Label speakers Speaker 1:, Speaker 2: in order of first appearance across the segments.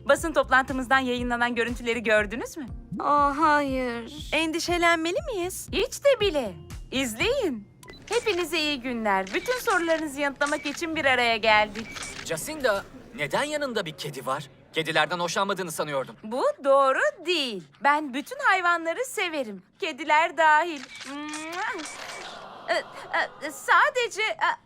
Speaker 1: Basın toplantımızdan yayınlanan görüntüleri gördünüz mü?
Speaker 2: Hayır.
Speaker 3: Endişelenmeli miyiz?
Speaker 1: Hiç de bile. İzleyin. Hepinize iyi günler. Bütün sorularınızı yanıtlamak için bir araya geldik.
Speaker 4: Jacinda, neden yanında bir kedi var? Kedilerden hoşlanmadığını sanıyordum.
Speaker 1: Bu doğru değil. Ben bütün hayvanları severim. Kediler dahil. Sadece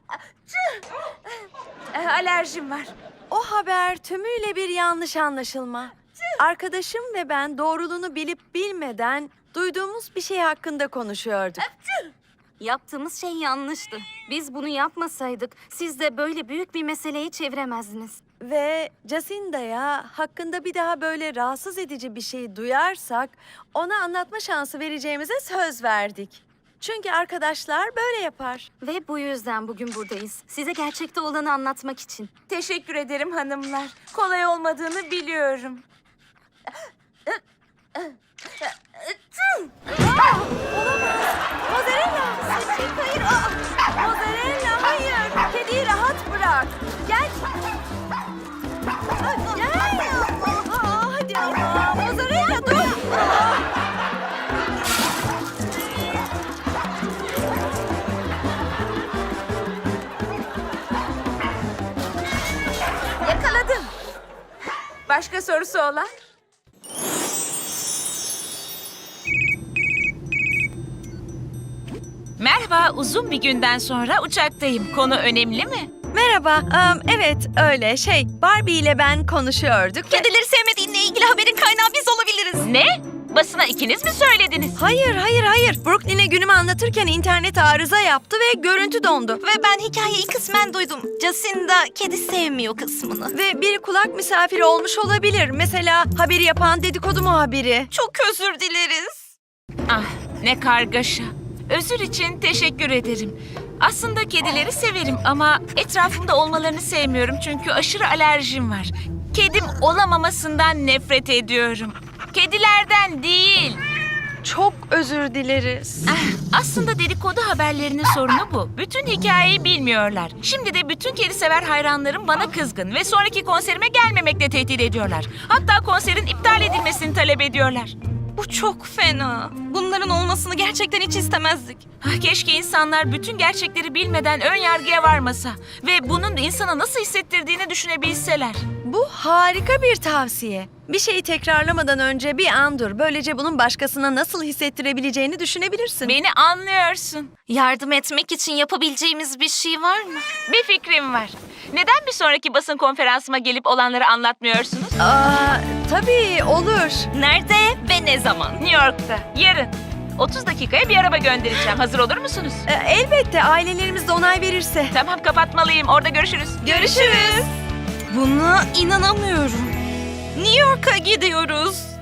Speaker 1: alerjim var.
Speaker 3: O haber tümüyle bir yanlış anlaşılma. Arkadaşım ve ben doğruluğunu bilip bilmeden duyduğumuz bir şey hakkında konuşuyorduk.
Speaker 2: Yaptığımız şey yanlıştı. Biz bunu yapmasaydık siz de böyle büyük bir meseleyi çeviremezdiniz.
Speaker 3: Ve Jacinda'ya hakkında bir daha böyle rahatsız edici bir şey duyarsak ona anlatma şansı vereceğimize söz verdik. Çünkü arkadaşlar böyle yapar.
Speaker 2: Ve bu yüzden bugün buradayız. Size gerçekte olanı anlatmak için.
Speaker 1: Teşekkür ederim hanımlar. Kolay olmadığını biliyorum.
Speaker 3: Mozzarella! Hayır! Mozzarella hayır! Kediyi rahat bırak. Gel! Gel! Hadi ama! Mozzarella dur!
Speaker 1: Yakaladım. Başka sorusu olan? Merhaba, uzun bir günden sonra uçaktayım. Konu önemli mi?
Speaker 3: Merhaba. Evet öyle Barbie ile ben konuşuyorduk.
Speaker 2: Kedileri sevmediğinle ilgili haberin kaynağı biz olabiliriz.
Speaker 1: Ne? Basına ikiniz mi söylediniz?
Speaker 3: Hayır. Brooklyn'e günümü anlatırken internet arıza yaptı ve görüntü dondu.
Speaker 2: Ve ben hikayeyi kısmen duydum. Jacinda kedi sevmiyor kısmını.
Speaker 3: Ve bir kulak misafiri olmuş olabilir. Mesela haberi yapan dedikodu muhabiri.
Speaker 2: Çok özür dileriz.
Speaker 1: Ah, ne kargaşa. Özür için teşekkür ederim. Aslında kedileri severim ama etrafımda olmalarını sevmiyorum çünkü aşırı alerjim var. Kedim olamamasından nefret ediyorum. Kedilerden değil.
Speaker 3: Çok özür dileriz.
Speaker 1: Aslında dedikodu haberlerinin sorunu bu. Bütün hikayeyi bilmiyorlar. Şimdi de bütün kedi sever hayranlarım bana kızgın ve sonraki konserime gelmemekle tehdit ediyorlar. Hatta konserin iptal edilmesini talep ediyorlar.
Speaker 2: Bu çok fena. Bunların olmasını gerçekten hiç istemezdik.
Speaker 1: Keşke insanlar bütün gerçekleri bilmeden ön yargıya varmasa ve bunun insana nasıl hissettirdiğini düşünebilseler.
Speaker 3: Bu harika bir tavsiye. Bir şeyi tekrarlamadan önce bir an dur. Böylece bunun başkasına nasıl hissettirebileceğini düşünebilirsin.
Speaker 1: Beni anlıyorsun.
Speaker 2: Yardım etmek için yapabileceğimiz bir şey var mı?
Speaker 1: Bir fikrim var. Neden bir sonraki basın konferansıma gelip olanları anlatmıyorsunuz?
Speaker 3: Tabii olur.
Speaker 2: Nerede ve ne zaman?
Speaker 1: New York'ta, yarın. 30 dakikaya bir araba göndereceğim. Hazır olur musunuz?
Speaker 3: Elbette ailelerimiz de onay verirse.
Speaker 1: Tamam, kapatmalıyım. Orada görüşürüz.
Speaker 3: Görüşürüz.
Speaker 2: Buna inanamıyorum. New York'a gidiyoruz.